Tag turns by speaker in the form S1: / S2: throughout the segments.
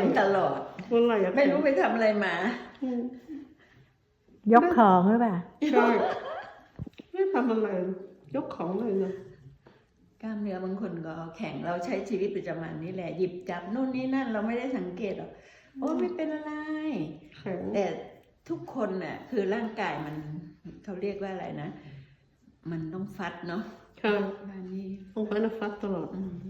S1: งตลอดไม่รู้ไปทำอะไรมาย
S2: กของหรือเปล่า
S3: ใช่ไม่ทำอะไรยกของเลยนะ
S1: กล้ามเนื้อบางคนก็แข็งเราใช้ชีวิตประจำวันนี่แหละหยิบจับนู่นนี่นั่นเราไม่ได้สังเกตหรอกโอ้ไม่เป็นอะไรแต่ทุกคนน่ะคือร่างกายมันเขาเรียกว่าอะไรนะมันต้องฟัดเนาะ
S3: ใช่
S1: นี่
S3: ต้องฟัดตลอด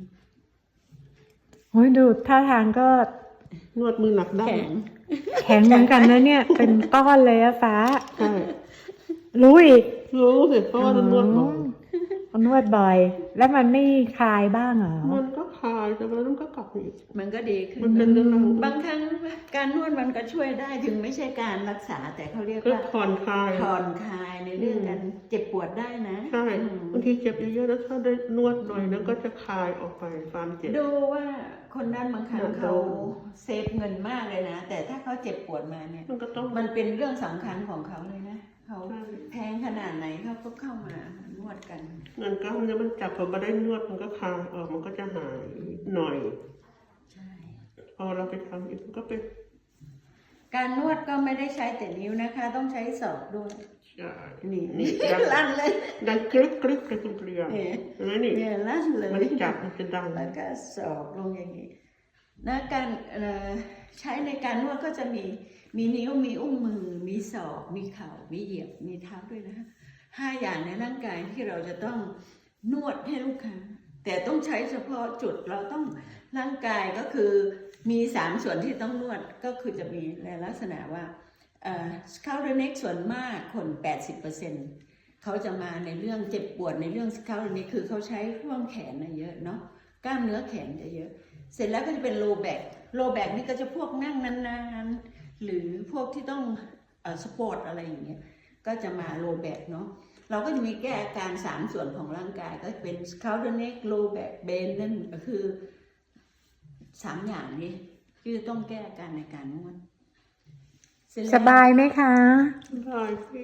S2: โอ้ยดูท่าทางก็
S3: นวดมือหนักได้
S2: แข็งเหมือนกันนะเนี่ยเป็นก้อนเลยอะฟ้า
S3: ใช่
S2: รู้อีก
S3: รู้สิเพราะว่านวดบ่อย
S2: นวดบ่อยแล้วมันไม่คลายบ้างเหรอ
S3: มันก็คลายแต่มันก็กลับอีก
S1: มันก็ดีขึ้น
S3: มันเป็นเรื่อง
S1: บางครั้งการนวดมันก็ช่วยได้ถึงไม่ใช่การรักษาแต่เขาเรียกว่า
S3: ผ่อนคล
S1: ายในเรื่องการเจ็บปวดได้นะ
S3: ใช่บางทีเจ็บเยอะๆแล้วถ้าได้นวดหน่อยนั้นก็จะคลายออกไปความเจ็บ
S1: ดูว่าคนด้านบางครั้งเขาเซฟเงินมากเลยนะแต่ถ้าเขาเจ็บปวดมาเนี่ยมันเป็นเรื่องสำคัญของเขาเลยนะเขาแพงขนาดไหนเขาก็เข้ามานวดกัน
S3: เงินก็มันจับพอมาได้นวดมันก็คลายออกมันก็จะหายหน่อย
S1: ใช่
S3: พอเราไปทำอีกมันก็เป็น
S1: การนวดก็ไม่ได้ใช้แต่นิ้วนะคะต้องใช้ศอกด้วย
S3: ใช่
S1: นี่ลั่นเลย
S3: ดังกรึ๊กกรึ๊กกรึ๊กเกลียว
S1: นี่ลั่นเลย
S3: มันจับมันจะดัง
S1: แล้วก็ศอกลงอย่างนี้นะการใช้ในการนวดก็จะมีนิ้วมีอุ้งมือมีศอกมีเข่ามีเหยียบมีเท้าด้วยนะ5 อย่างในร่างกายที่เราจะต้องนวดให้ลูกค้าแต่ต้องใช้เฉพาะจุดเราต้องร่างกายก็คือมี3 ส่วนที่ต้องนวดก็คือจะมีในลักษณะว่าscalp neck ส่วนมากคน 80%เขาจะมาในเรื่องเจ็บปวดในเรื่อง scalp neck คือเขาใช้ช่วงแขนเยอะเนาะกล้ามเนื้อแขนจะเยอะเสร็จแล้วก็จะเป็น low back นี่ก็จะพวกนั่งนานๆหรือพวกที่ต้องสปอร์ตอะไรอย่างเงี้ยก็จะมา low back เนาะเราก็จะมีแก้อาการ3 ส่วนของร่างกายก็เป็น scalp neck low back bend นั่นก็คือ3 อย่างนี้ที่ต้องแก้อาการในการนวด
S2: สบายไหมคะ
S3: สบายพี่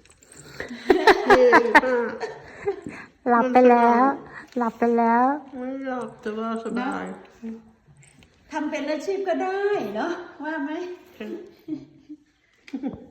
S2: หลับไปแล้ว
S3: ไม่หลับแต่ว่าสบาย
S1: ทำเป็นอาชีพก็ได้เนาะว่าไหม